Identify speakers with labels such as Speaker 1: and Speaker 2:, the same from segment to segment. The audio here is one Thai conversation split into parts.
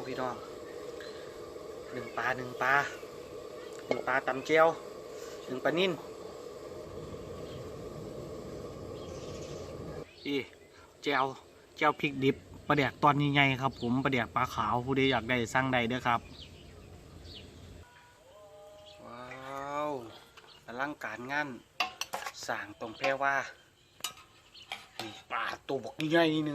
Speaker 1: พี่น้องหนึ่งปลาตำเจียวหนึ่งปลานิ่นอีเจียวพริกดิบปลาแดกตอนใหญ่ๆครับผมปลาแดกปลาขาวผู้ใดอยากได้สั่งได้เด้อครับว้าวอลังการงานสร้างตรงแพรว่านี่ปลาตัวบกใหญ่ๆนึง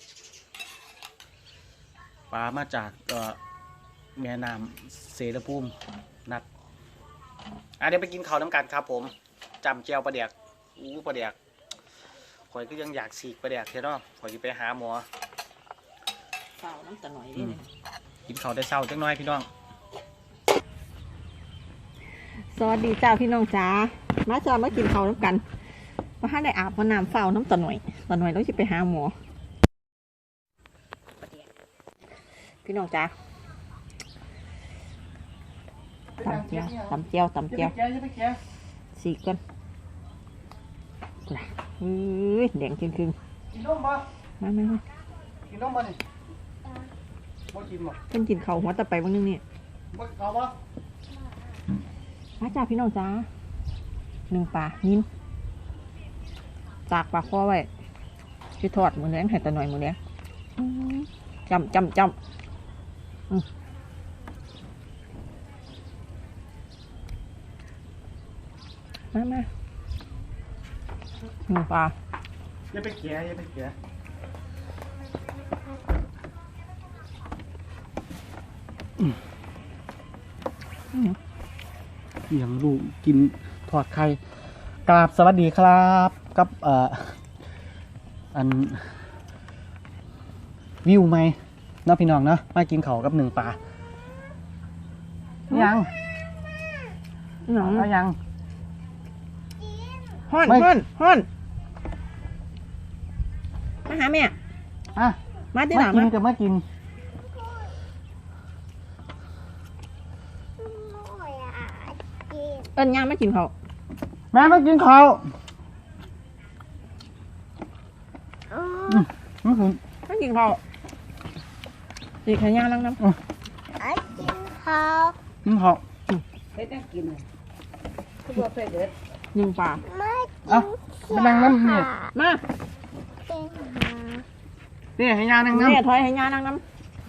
Speaker 1: ปลามาจากแม่น้ำเสรภูมินัดเดี๋ยวไปกินข้าวน้ำกันครับผมจำเจียวปลาแดกปลาแดกข่อยก็ยังอยากสีกปลาแดกเท่เนาะข่อยจะไปหาหมอ
Speaker 2: เฝ้าน้ำตาหน่อยนี่
Speaker 1: กินข้าวได้เศร้าจังน้อยพี่น้อง
Speaker 2: สวัสดีจ้าพี่น้องจ้ามาจ้ามากินข้าวน้ำกันมาให้ได้อาบน้ำเฝ้าน้ำตาหน่อยแล้วจะไปหาหมอพี่น้องจ้าตำเจียวสีกันแดงครึ่ง
Speaker 1: กินนมบ่
Speaker 2: มา
Speaker 1: กินนมบ่นี่บ่กินบ่
Speaker 2: เพิ่นกินข้าวหัวตะไปวันนึงนี่
Speaker 1: บ่ข้าวบ่
Speaker 2: มาจ้าพี่น้องจ้าหนึ่งปลานิ่มตากปลาข้อไว้ที่ทอดมือเลี้ยงให้ตาหน่อยมือเลี้ยงจำมาหนึ่งปลา
Speaker 1: อย่าไปเกลี่ยอย่างลูกกินทอดไข่กราบสวัสดีครับกับอันวิวไหมน้องพี่น้องเนาะมากินข้าวกับหนึ่งปลายัง
Speaker 2: ฮ้อนมาหาแม่มาที่ไหน
Speaker 1: มากิน
Speaker 2: เอิญย่างไม่กินเขา
Speaker 1: แม่มากินข้าว
Speaker 2: ไม่กินเขาดีแค่ย่างล้างน้ำ
Speaker 1: กินข้าว
Speaker 2: เผ็ดน่ากินคือว่าเผ็ดเด็ดหนึ่งปลา
Speaker 1: มานั่งน้ำเนี่ย
Speaker 2: มา
Speaker 1: นี่ให้ย่างนั่งน้ำ
Speaker 2: เนี่ยถอยให้ย่างนั่งน้ำ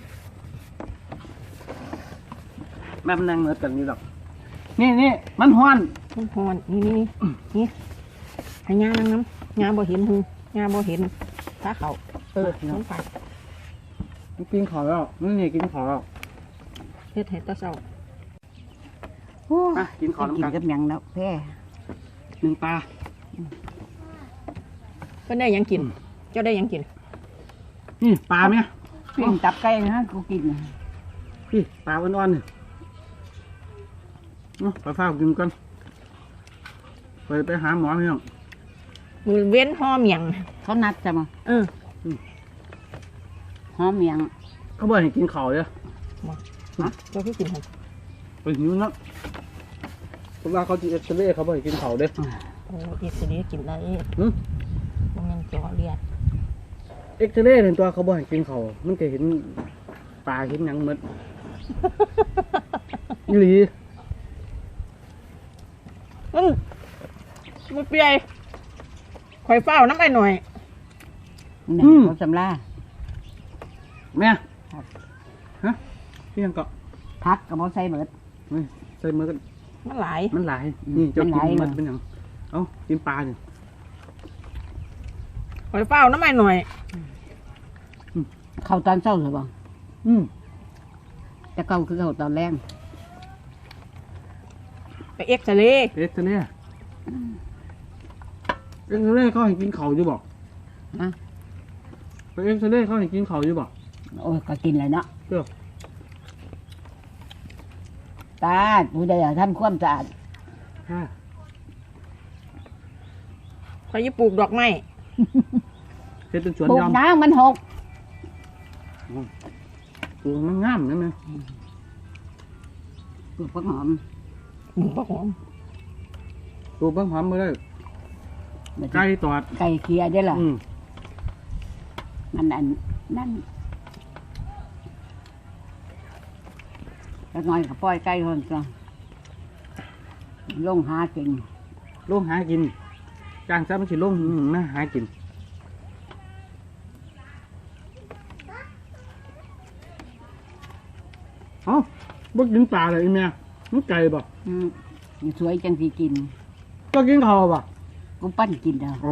Speaker 1: แม่มันนั่งเหมือนกันนี่หรอกนี่มันฮ้อน
Speaker 2: นี่ให้ย่างนั่งน้ำย่างบ่เห็นหูย่างบ่เห็นถ้าเขาน้องปลา
Speaker 1: กินข้าวแล้วนี่กินข้าวแล้ว
Speaker 2: เฮ็ดให้ตาเศร้า
Speaker 1: กินข้าวน้ำกัน
Speaker 2: กับยังแล้วแพ้
Speaker 1: หนึ่งปลา
Speaker 2: เพิ่นได้ยังกินเจ้าได้ยังกิน
Speaker 1: นี่ปลาไหม
Speaker 2: ปิ้งตับไก่นะกูกิน
Speaker 1: พี่ปลาอ่อนๆเนี่ยไปเฝ้ากินกันไปหาหมอพี่น้อง
Speaker 2: มือเว้นหอมยัง
Speaker 3: เขานัดจะมาหอมยัง
Speaker 1: เขาบอกให้กินข้าวเลย
Speaker 2: เจ้าพี่กินหอม
Speaker 1: ไปหิวนักเวลาเขาจีเอ็กซเรย์เขาบอกให้กินข้าวเด้
Speaker 2: โอ้เอ็กซเรย์กินได้มันเจาะเลือด
Speaker 1: เอ็กซเรย์เห็นตัวเขาบอกให้กินข้าวมันจะเห็นปลาเห็นหนังหมดอีหลี
Speaker 2: มันเปียข่อยเฝ้าน้ำไอ้หน่อย
Speaker 3: เขาสำลา
Speaker 1: แม่ฮะพี่ยังเกาะ
Speaker 3: พักกับเขาใส่เบิด
Speaker 1: ใส่มือกัน
Speaker 2: มันหลาย
Speaker 1: นี่จะกินมันเป็นอย่างเอากินปลาเนี่ย
Speaker 2: ข่อยเฝ้าน้ำไอ้หน่อย
Speaker 3: เขาตอนเช้าหรือเปล่าจะเก่าคือเขาตอนแรง
Speaker 2: ไปเอ็กซเรย์
Speaker 1: เขาให้กินเขาอยู่บอกไปเอ็กซเรย์เขาให้กินเขาอยู่บอก
Speaker 3: โอ้ยก็กินเลยเนาะ
Speaker 1: เจ้า
Speaker 3: ตาผู้ใดอยากทำความสะอาด
Speaker 2: เขาจะปลูกดอกไม้
Speaker 1: เป็นสวน
Speaker 3: ปลูกน้ำมันหก
Speaker 1: ปลูกมันงามนะแม่
Speaker 3: ปลูกผักหอม
Speaker 1: ปลูกผักหอมมาเลยไก่ตอด
Speaker 3: ไก่เคียได้หรอนั่นก็น้อยกับปล่อยไก่คนก็ลงหากิน
Speaker 1: ลงหากินจ้างซะมันสิลงนะหากินเอ้าบ่กินปลาเลยอีแม่มันไก่บ่
Speaker 3: สวยจังสิกิน
Speaker 1: ก็กินข้าวบ่
Speaker 3: กูปั้นกินเด้อ
Speaker 1: อ๋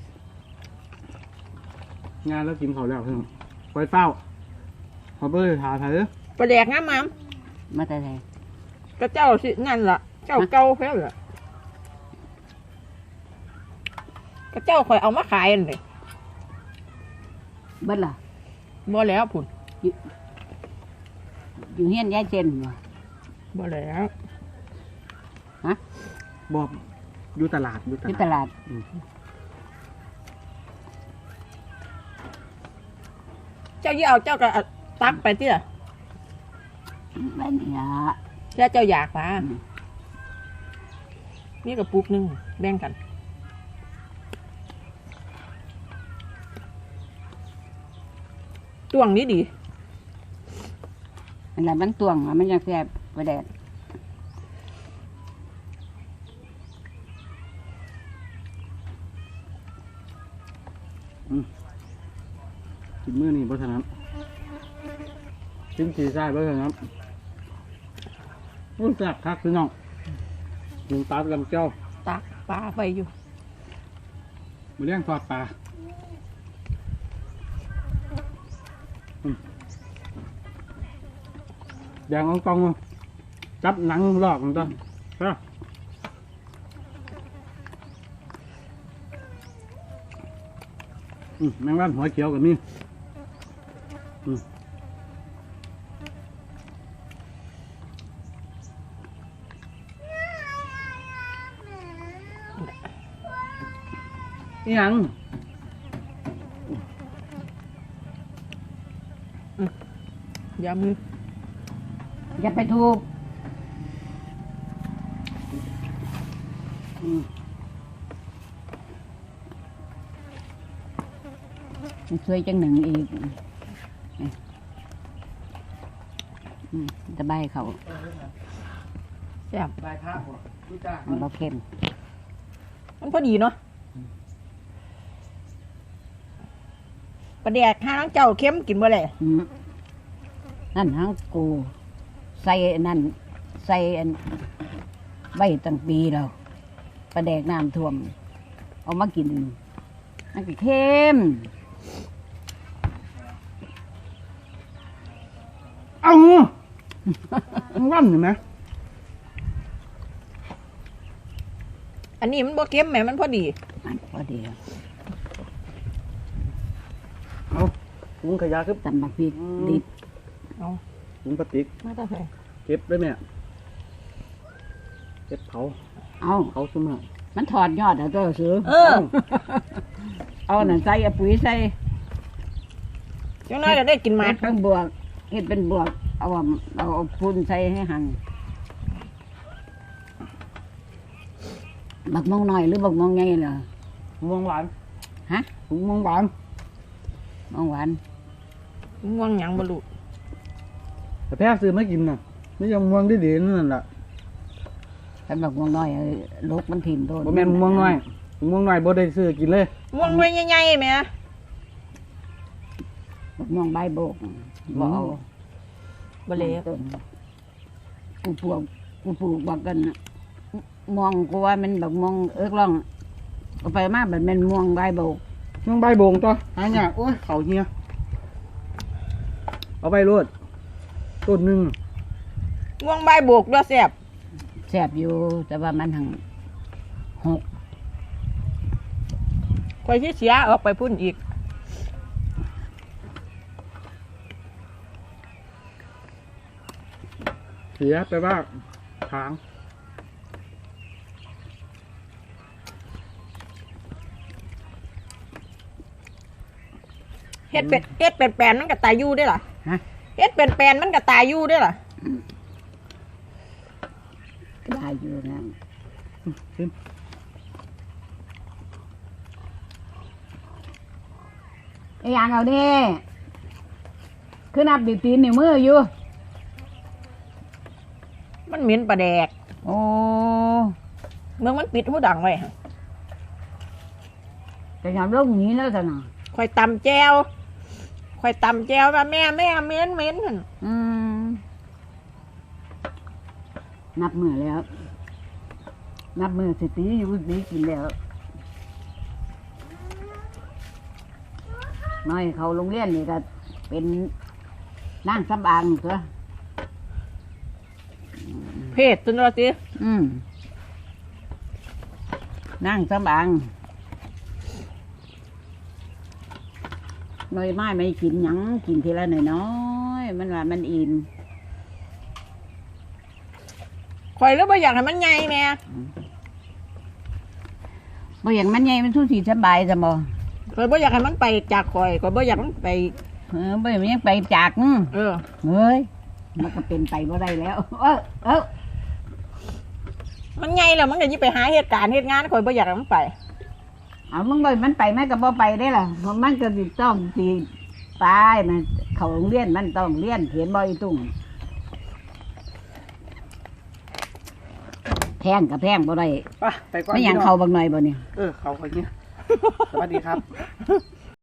Speaker 1: องานแล้วกินข้าวแล้วเพิ่งไปเฝ้าขอเบอร์หาไทยเด้อ
Speaker 2: ปลาแดกงามมาม
Speaker 3: มาแต่ไหน
Speaker 2: ก็เจ้าสินั่นล่ะ เจ้าเก่าแค่ล่ะก็เจ้าคอยเอามาขายนั่นเลย
Speaker 3: เบิดล่ะ
Speaker 2: บ่แล้วพุ่น
Speaker 3: อยู่เฮียนยายเจนบ่
Speaker 2: บ่แล้ว
Speaker 1: บอกอยู่ตลาดอยู่
Speaker 3: ที่
Speaker 1: ต
Speaker 3: ต
Speaker 1: ลาด
Speaker 3: ลาด
Speaker 2: เจ้ายี่เอาเจ้าก็ตักไปที่ล่ะ
Speaker 3: บ้านนี่ล่ะ
Speaker 2: แล้วเจ้าอยากมานี่กับปุกหนึงแบ่งกันตวงนี้ดี
Speaker 3: อันนั้นมันตวงอะมันยังแซ่บกว่าแดด
Speaker 1: กินมื้อนี้เพราะฉะนั้นกินสีใช่เพราะฉะนั้นรู้จักคักพี่น้องกินปลาลำเจ้า
Speaker 2: ตักปลาไปอยู่
Speaker 1: มาเลี้ยงทอดปลาแดงอ่องตองจับหนังลอกมันต้นแมงวันหัวเขียวกับนี่ยัง
Speaker 2: อย่ามือ
Speaker 3: อย่าไปทูบสวยจังหนึ่งอีกตะไบเขา
Speaker 2: แซ่บ
Speaker 1: ได้ภาพบ่รู้จัก
Speaker 3: มันบ่เข้ม
Speaker 2: มันพอดีเนาะปลาแดกห้าน้องเจ้าเข้มกินบ่เลย
Speaker 3: นั่นทั้งกูใส่นั่นใส่อันใบตั้งปีแล้วปลาแดกน้ำท่วม เอามากินนั่นก็เข้ม
Speaker 1: เอาวันเห็นไหม
Speaker 2: อันนี้มันบ่เข้มแหมมันพอดี
Speaker 3: อันพอดี
Speaker 1: เอาถุงขยะคือ
Speaker 3: ตำบักพริกดิบ
Speaker 2: เอา
Speaker 1: ถุงพลาสติก
Speaker 2: มาต่อไป
Speaker 1: เก็บได้ไหมเก็บเผา
Speaker 3: เอา
Speaker 1: เผาซุ่มน่ะ
Speaker 3: มันถอดยอดเอาตัวซื้อ
Speaker 2: อ
Speaker 3: เอาหนังใส่เอาปุ๋ยใส่
Speaker 2: จังน้อยก็ได้กินหมาก
Speaker 3: เฮ็ดเป็นบวกเฮ็ดเป็นบวก เอาพุ่นใส่ให้หั่นบักมองหน่อยหรือบักมองใหญ่เหรอ
Speaker 1: ม่วงหวาน
Speaker 3: ฮะ
Speaker 1: ถุงม่วงหวาน
Speaker 3: มองหวาน
Speaker 2: ง่วงหยังบ่รู้
Speaker 1: แต่แพ้ซื้อไม่กินน่ะไม่ยังม่วงได้ดีนั่นแหละ
Speaker 3: กันบักมองน้อยลูกมันถิ่นโดน
Speaker 1: บ่แม่นม่วงน้อยม่วงน้อยบ่ได้ซื้อกินเลย
Speaker 2: ง่วงหน่วยใหญ่ๆแหม
Speaker 3: บักมองใบโบกบ่เอา
Speaker 2: บ่เลย
Speaker 3: ต้นกูปลูกบักกันน่ะมองกูว่ามันบักมองร่องเอาไปมาแบบมันม่วงใบโบก
Speaker 1: ม่วงใบโบงตัวหายากโอ้ยเขาเฮียเอาไปรวดต้นหนึง
Speaker 2: ง่วงใบโบกด้วยแซ่บ
Speaker 3: แซ่บอยู่แต่ว่ามันหังหก
Speaker 2: ข่อยสิเสียออกไปพุ่นอีก
Speaker 1: เสียไปว่าทาง
Speaker 2: เฮ็ดเป็นแปลนมันก็ตายอยู่ได้อล่ะ
Speaker 3: ฮะ
Speaker 2: เฮ็ดเป็นแปลนมันก็ตายอยู่ได้อล่ะ
Speaker 3: ก็ได้อยู่นะ
Speaker 1: ชิม
Speaker 3: ไอ้ยางเอาดิคือนับดิตีนนิ้วมืออยู่
Speaker 2: มันเหม็นปลาแดก
Speaker 3: โอ้
Speaker 2: เมืองมันปิดหูดังไว้หั่น
Speaker 3: แต่ยามลงนี้แล้วจ้ะน่ะ
Speaker 2: ข่อยตำแจวว่าแม่เหม็นหั่น
Speaker 3: อืมนับมือแล้ว นับมือสิตีอยู่สิกินแล้วน้อยเขาโรงเรียนนี่ก็เป็นนั่งสำอางตัว
Speaker 2: เพศตัวนั้นสิ
Speaker 3: นั่งสำอางน้อยไม้ไม่กินหยังกินทีละน้อยๆมันว่ามันอิ่ม
Speaker 2: ข่อยแล้วบ่อยากให้มันใหญ่แม่
Speaker 3: บ่อย่างมันใหญ่มันสู้สีสบายจ้ะบ่
Speaker 2: ข่อยบ่อยากให้มันไปจากข่อยบ่อยากมันไป
Speaker 3: บ่อย่างมันยังไปจากนึง
Speaker 2: เออ
Speaker 3: เฮ้ยมันก็เป็นไปบ่ได้แล้ว
Speaker 2: มันใหญ่แล้วมันก็ยิ่งไปหาเหตุการณ์เหตุงานข่อยบ่อยากให้มันไป
Speaker 3: เอามึงบ่มันไปแม่ก็บ่ไปได้ล่ะเพราะมันก็สิต้องสิไปมันเข้าโรงเรียนมันต้องเรียนเขียนบ่อีตุ้งแพงกับแพงบ่ได้
Speaker 1: ไปก่อน
Speaker 3: ไม่หยัง
Speaker 1: พี่น้
Speaker 3: เข้าบักหน่อยบ่นี่
Speaker 1: เขาคนนี้สวัสดีครับ